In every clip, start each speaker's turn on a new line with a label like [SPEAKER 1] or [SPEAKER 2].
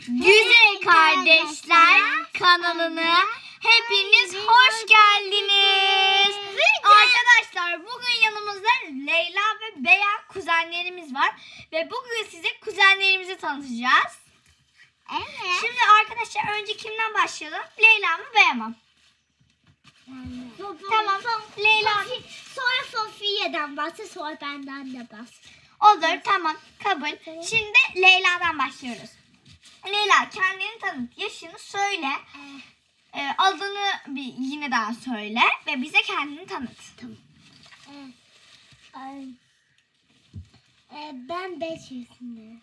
[SPEAKER 1] Güzel Kardeşler kanalına hepiniz hoş geldiniz. Arkadaşlar bugün yanımızda Leyla ve Beya kuzenlerimiz var. Ve bugün size kuzenlerimizi tanıtacağız.
[SPEAKER 2] Evet.
[SPEAKER 1] Şimdi arkadaşlar önce kimden başlayalım? Leyla mı Beya mı? Tamam. Leyla.
[SPEAKER 2] Sonra Sofiye'den bahset, sonra benden de bahset.
[SPEAKER 1] Olur, tamam, kabul. Şimdi Leyla'dan başlıyoruz. Leyla, kendini tanıt, yaşını söyle, adını yine daha söyle ve bize kendini tanıt.
[SPEAKER 2] Tamam. Ben 5 yaşındayım.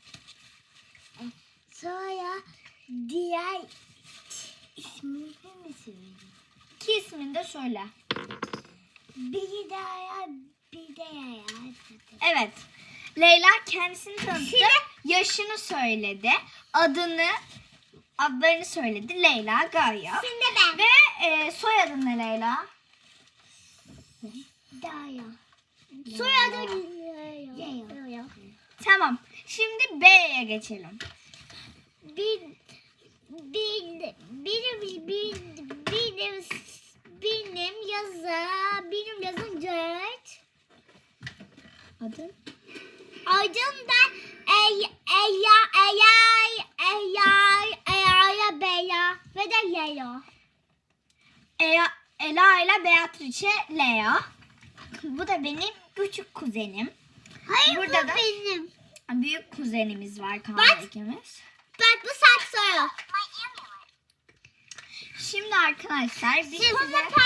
[SPEAKER 2] Sonra diğer ismini mi söyleyeyim?
[SPEAKER 1] İki ismini de söyle.
[SPEAKER 2] Bir de Yaya, bir de Yaya.
[SPEAKER 1] Evet, Leyla kendisini tanıttı, yaşını söyledi, adlarını söyledi. Leyla, Gaye.
[SPEAKER 2] Şimdi ben.
[SPEAKER 1] Ve soyadın ne Leyla?
[SPEAKER 2] Daya. Soyadı Yaya.
[SPEAKER 1] Tamam, şimdi B'ye geçelim.
[SPEAKER 2] Benim yazım 4.
[SPEAKER 1] Adın?
[SPEAKER 2] Adım da Beya ve de Leo.
[SPEAKER 1] Ela ile Beatrice Lea. Bu da benim küçük kuzenim.
[SPEAKER 2] Hayır,
[SPEAKER 1] burada
[SPEAKER 2] bu
[SPEAKER 1] da
[SPEAKER 2] benim.
[SPEAKER 1] büyük kuzenimiz var Kaan ikimiz.
[SPEAKER 2] Bak bu saksoyu.
[SPEAKER 1] Şimdi arkadaşlar biz size...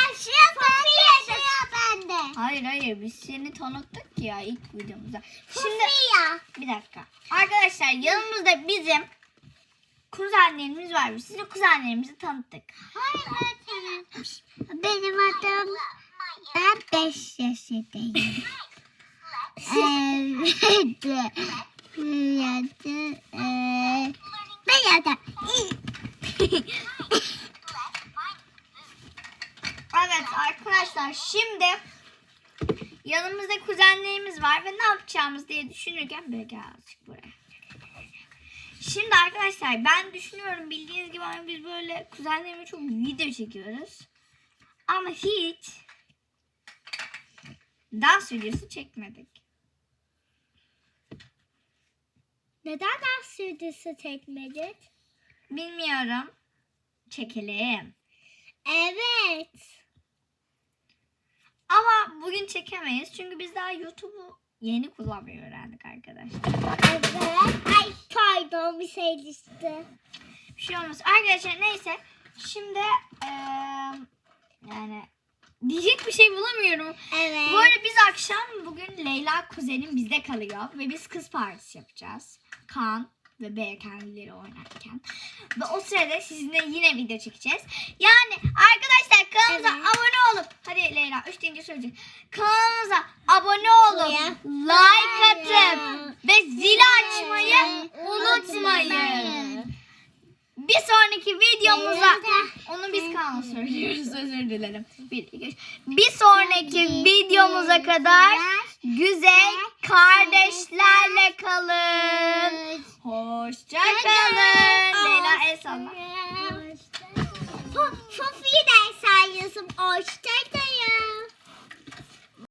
[SPEAKER 2] bende.
[SPEAKER 1] Hayır biz seni tanıttık ya ilk videomuzda. Şimdi
[SPEAKER 2] Sofia.
[SPEAKER 1] bir dakika. Arkadaşlar yanımızda bizim kuzenlerimiz var. Biz size kuzenlerimizi tanıttık.
[SPEAKER 2] Hayır öğretmenim. Benim adım ben 5 yaşındayım.
[SPEAKER 1] Evet arkadaşlar şimdi yanımızda kuzenlerimiz var ve ne yapacağımız diye düşünürken böyle gel azıcık buraya. Şimdi arkadaşlar ben düşünüyorum bildiğiniz gibi hani biz böyle kuzenlerimle çok video çekiyoruz. Ama hiç dans videosu çekmedik.
[SPEAKER 2] Neden dans videosu çekmedik?
[SPEAKER 1] Bilmiyorum. Çekelim.
[SPEAKER 2] Evet.
[SPEAKER 1] Ama bugün çekemeyiz çünkü biz daha YouTube'u yeni kullanmayı öğrendik arkadaşlar.
[SPEAKER 2] Evet. Ay pardon bir şey düştü.
[SPEAKER 1] Bir şey olmaz. Arkadaşlar neyse. Şimdi yani diyecek bir şey bulamıyorum.
[SPEAKER 2] Evet.
[SPEAKER 1] Bu arada biz akşam bugün Leyla kuzenim bizde kalıyor. Ve biz kız partisi yapacağız. Kaan ve Bey kendileri oynarken. Ve o sırada sizinle yine video çekeceğiz. Yani arkadaşlar kanalımıza abone olup. Hadi Leyla 3 deyince söyleyeceğim. Kanalımıza abone olup like atıp ve zili açmayı unutmayın. Bir sonraki videomuza onu biz Kaan'a söylüyoruz, özür dilerim. Bir sonraki videomuza kadar güzel kardeşlerle kalın. Hoşça kalın. Leyla el salla.
[SPEAKER 2] Sofi'yi de sayıyorsun. Hoşçakalın.